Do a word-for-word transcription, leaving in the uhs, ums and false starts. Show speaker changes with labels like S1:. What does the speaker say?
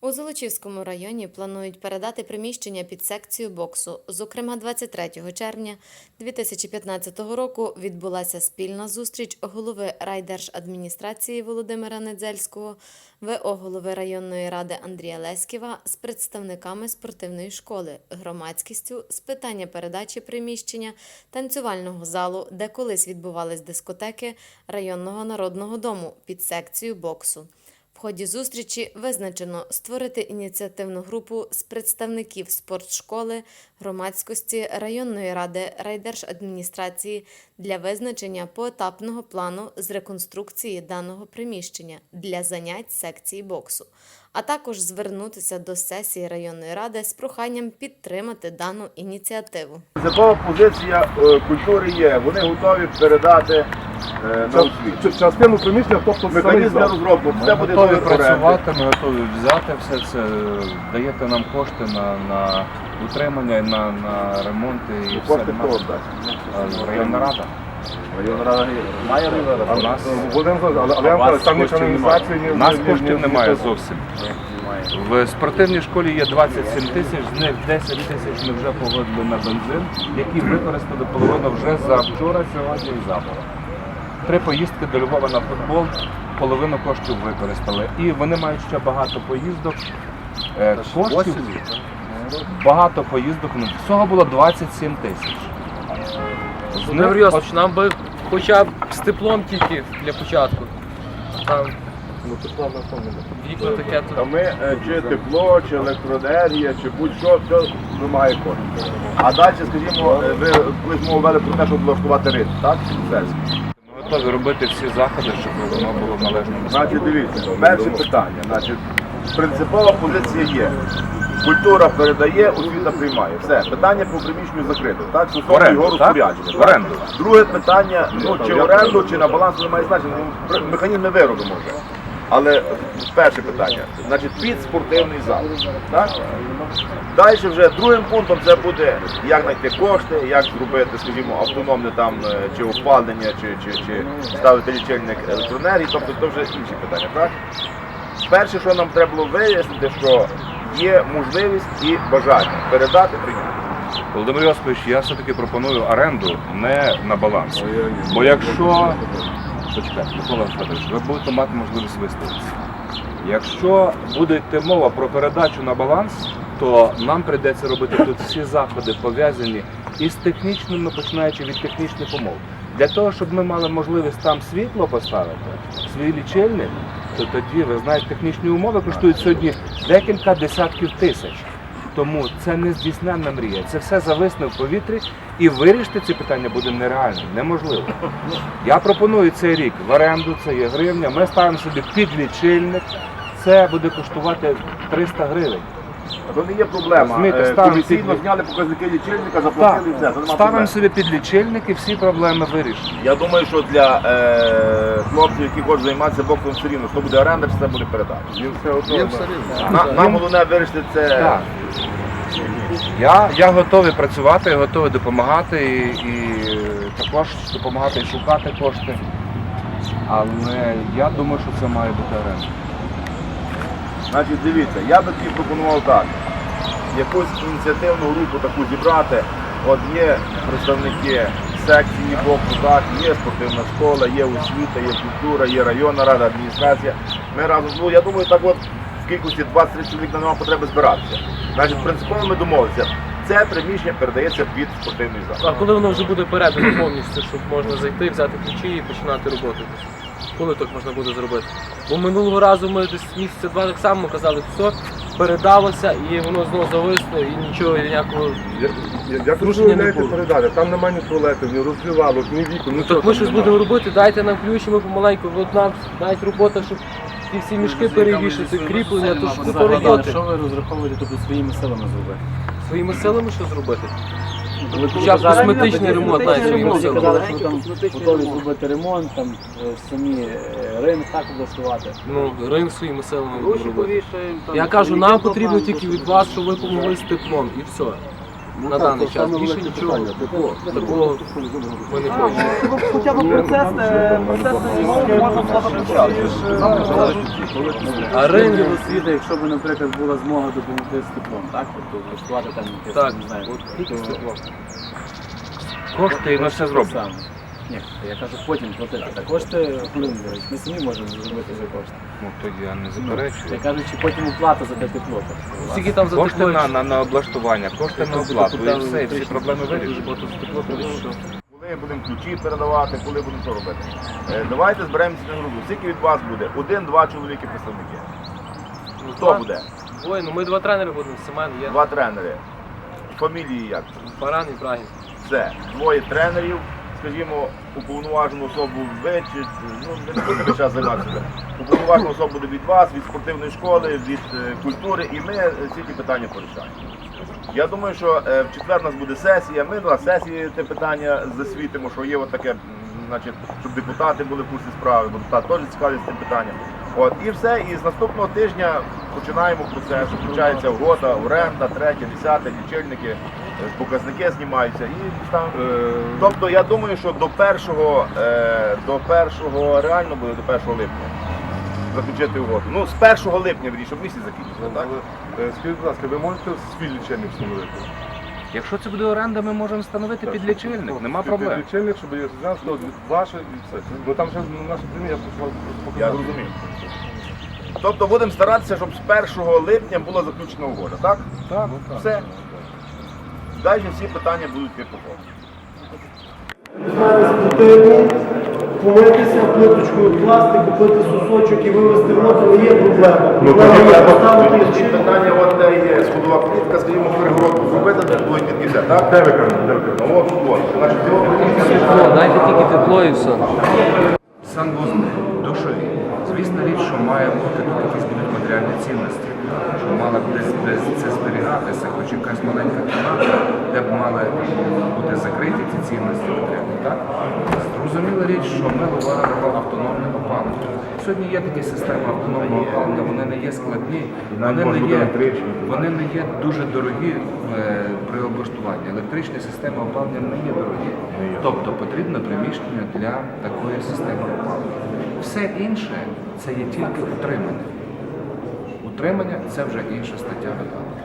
S1: У Золочівському районі планують передати приміщення під секцію боксу. Зокрема, двадцять третього червня дві тисячі п'ятнадцятого року відбулася спільна зустріч голови райдержадміністрації Володимира Недзельського, ВО голови районної ради Андрія Леськіва з представниками спортивної школи, громадськістю з питання передачі приміщення танцювального залу, де колись відбувались дискотеки, районного народного дому під секцію боксу. В ході зустрічі визначено створити ініціативну групу з представників спортшколи, громадськості, районної ради, райдержадміністрації для визначення поетапного плану з реконструкції даного приміщення для занять секції боксу, а також звернутися до сесії районної ради з проханням підтримати дану ініціативу.
S2: Якова позиція е, культури є, вони готові передати е, на освіту.
S3: Частину приміщення, тобто
S2: Механізм для розробки, все буде
S4: готові
S2: добре.
S4: працювати, ми готові взяти все це, даєте нам кошти на, на утримання, на, на ремонт і все.
S2: Кошти хто дасть?
S4: Районна рада.
S2: Районна рада має районна рада?
S4: У нас,
S3: Але, але я вам кажу, там ні каналізації, ні...
S4: у нас
S3: ні-
S4: коштів
S3: ні-
S4: немає
S3: ні-
S4: зовсім. В спортивній школі є двадцять сім тисяч, з них десять тисяч ми вже погодили на бензин, які використали половину вже за вчора, сьогодні і завтра. Три поїздки до Львова на футбол, половину коштів використали. І вони мають ще багато поїздок, е, коштів, багато поїздок, ну, всього було двадцять сім тисяч. З
S5: Володимир
S4: них
S5: Йосипович, нам би хоча б з теплом тільки для початку. Там
S3: Ну, тепла на тому не
S5: вікна таке
S2: Та
S5: тут.
S2: ми е, чи тепло, чи електроенергія, чи будь-що, все вимагає коштів. А далі, скажімо, е, ви колись мову вели про те, щоб влаштувати ринок, так? Сельський.
S4: ми готові робити всі заходи, щоб воно було в належному стані.
S2: Значить, дивіться, перше питання. Значить, принципова позиція є. Культура передає, освіта приймає. Все, питання по приміщенню закрите. Так, стосовно
S4: Оренду,
S2: його
S4: так?
S2: розпорядження.
S4: В оренду.
S2: Друге питання, ну чи в оренду, чи на баланс не має значення. Ну, пр- механізм ми виробимо вже. Але перше питання, значить, під спортивний зал. Так? Далі вже другим пунктом це буде, як знайти кошти, як зробити, скажімо, автономне там е, чи опалення, чи, чи, чи ставити лічильник електроенергії, тобто це вже інші питання. Так? Перше, що нам треба було вияснити, що є можливість і бажання передати прийняти.
S4: Володимир Йосипович, я все-таки пропоную оренду не на баланс. Бо якщо, почекайте, Микола Федорович, ви будете мати можливість виставитися. Якщо буде йти мова про передачу на баланс, то нам прийдеться робити тут всі заходи, пов'язані із технічними, починаючи від технічних умов. Для того, щоб ми мали можливість там світло поставити, свій лічильник, то тоді, ви знаєте, технічні умови коштують сьогодні декілька десятків тисяч. Тому це не здійсненна мрія, це все зависне в повітрі і вирішити ці питання буде нереально, неможливо. Я пропоную цей рік в оренду, це є гривня, ми ставимо собі під лічильник, це буде коштувати триста гривень.
S2: То не є проблема.
S4: Розумієте,
S2: Е,
S4: ставимо
S2: Комісійно
S4: під-
S2: зняли показники лічильника,
S4: Так,
S2: заплатили і все. Це нема
S4: ставимо
S2: проблем.
S4: собі під лічильник і всі проблеми вирішені.
S2: Я думаю, що для е, хлопців, які хочуть займатися боксом, все рівно, що буде оренда, чи це буде передача.
S3: Їм все одно.
S2: Їм все рівно. На- Нам головне вирішити це.
S4: Так. Я, я готовий працювати, готовий допомагати і, і також допомагати і шукати кошти. Але я думаю, що це має бути оренда.
S2: Значить, дивіться, я би тоді пропонував так. Якусь ініціативну групу таку зібрати. От є представники секції боксу, так, є спортивна школа, є освіта, є культура, є районна рада, адміністрація. Ми разом, ну я думаю, так от в кількості двадцять чоловік нам немає потреби збиратися. Значить, принципово ми домовилися. Це приміщення передається під спортивний зал.
S5: А коли воно вже буде передано повністю, щоб можна зайти, взяти ключі і починати роботу? Коли так можна буде зробити? Бо минулого разу ми десь місяця два так само казали, все, передалося і воно знову зависло і нічого, ніякого.
S3: Я- я- Як ви
S5: Зрушення не
S3: уявляєте
S5: було.
S3: передати? Там немає ні туалетів, ні роздівалок, ні вікон.
S5: Ну так ми щось будемо робити, дайте нам ключі, ми помаленьку, от нам навіть робота, щоб ті всі мішки перевішати, кріплення, то ж купа роботи.
S6: Що ви розраховуєте тобто своїми силами зробити?
S5: Своїми силами що зробити?
S6: Ви
S5: Хоча б косметичний ремонт навіть своїми
S6: Ви
S5: силами.
S6: казали, що ви там готові зробити ремонт, там е, самі е, ринок так облаштувати.
S5: Ну, ринг своїми силами будемо робити. Я кажу, нам потрібно тільки від вас, щоб ви допомогли з теплом і все. на даний час. Більше нічого такого ми не хочемо.
S7: Хоча б процес, е, процес можна почати.
S5: А ринок
S6: освіти, якщо б, наприклад, була змога допомогти з теплом, так? Тобто влаштувати там якесь,
S5: Так,
S6: не знаю,
S5: от тільки з
S6: то-
S5: теплом.
S4: Кошти і ми все зробимо.
S6: Саме. Ні, я кажу, потім платити. Та кошти, коли ми говоримо, ми самі можемо зробити за кошти.
S4: Ну то я не
S6: Я
S4: заперечую.
S6: кажу, чи потім оплата за те тепло. тобто,
S5: Скільки там за
S4: Кошти
S5: тепло?
S4: на, на, на облаштування, кошти на оплату і все, і всі проблеми вирішені.
S5: Дуже багато за тепло, тому що
S2: Коли будемо ключі передавати, коли будемо що робити. Е, Давайте зберемося на групу. Скільки від вас буде? Один-два чоловіки представники.
S5: ну,
S2: Хто
S5: два-
S2: буде?
S5: Двоє, ну ми два тренери будемо, Семен є,
S2: Два тренери. Фамілії як?
S5: Баран і Брагін.
S2: Все. Двоє тренерів, скажімо, уповноважену особу ви, чи, ну, ви не будете час займатися. Уповноважена особа буде від вас, від спортивної школи, від е, культури, і ми е, всі ті питання порішаємо. Я думаю, що е, в четвер у нас буде сесія, ми на сесії те питання засвітимо, що є от таке, м, значить, щоб депутати були в курсі справи, бо депутати теж цікавляться цим питанням. От, і все, і з наступного тижня починаємо процес, включається угода, оренда, третє, десяте, лічильники, е, показники знімаються і там.
S3: Е,
S2: Тобто я думаю, що до першого, е, до першого реально буде до першого липня заключити угоду. Ну, з першого липня, вірніше, щоб місяць закінчили, так?
S3: але, е, Скажіть, будь ласка, ви можете свій лічильник встановити?
S4: Якщо це буде оренда, ми можемо встановити під лічильник, нема проблем.
S3: Лічильник, щоб я знав, що ваше і все. Бо там ще на нашій країні я просто
S2: Я
S3: покажу.
S2: розумію. Тобто будемо старатися, щоб з першого липня була заключена угода, так?
S4: Так.
S2: Все. Далі всі питання будуть йти по ходу.
S7: Спортивні, помитися плиточкою пластик, купити сусочок і вивезти воду, не є проблема. Проблема поставити
S2: Ці
S7: лічильник.
S2: питання, от де є сходова плітка, скажімо, перегородку зробити, де будуть підкися, так?
S3: Де ви кажете? Де ви кажете?
S2: Ну от, от. Значить,
S5: Тепло, дайте тільки тепло і все.
S4: Санвузли, душові. Звісна річ, що має бути тут якісь будуть матеріальні цінності, що мала б десь десь це зберігатися, хоч якась маленька кімната, де б мали бути закриті ці цінності матеріальні. Так? Зрозуміла річ, що ми говоримо про автономне опалення. Сьогодні є такі системи автономного опалення, вони не є складні, вони не є, вони не є дуже дорогі е, при облаштуванні. Електричні системи опалення не є дорогі. Тобто потрібно приміщення для такої системи опалення. Все інше це є тільки утримання. Утримання це вже інша стаття виконання.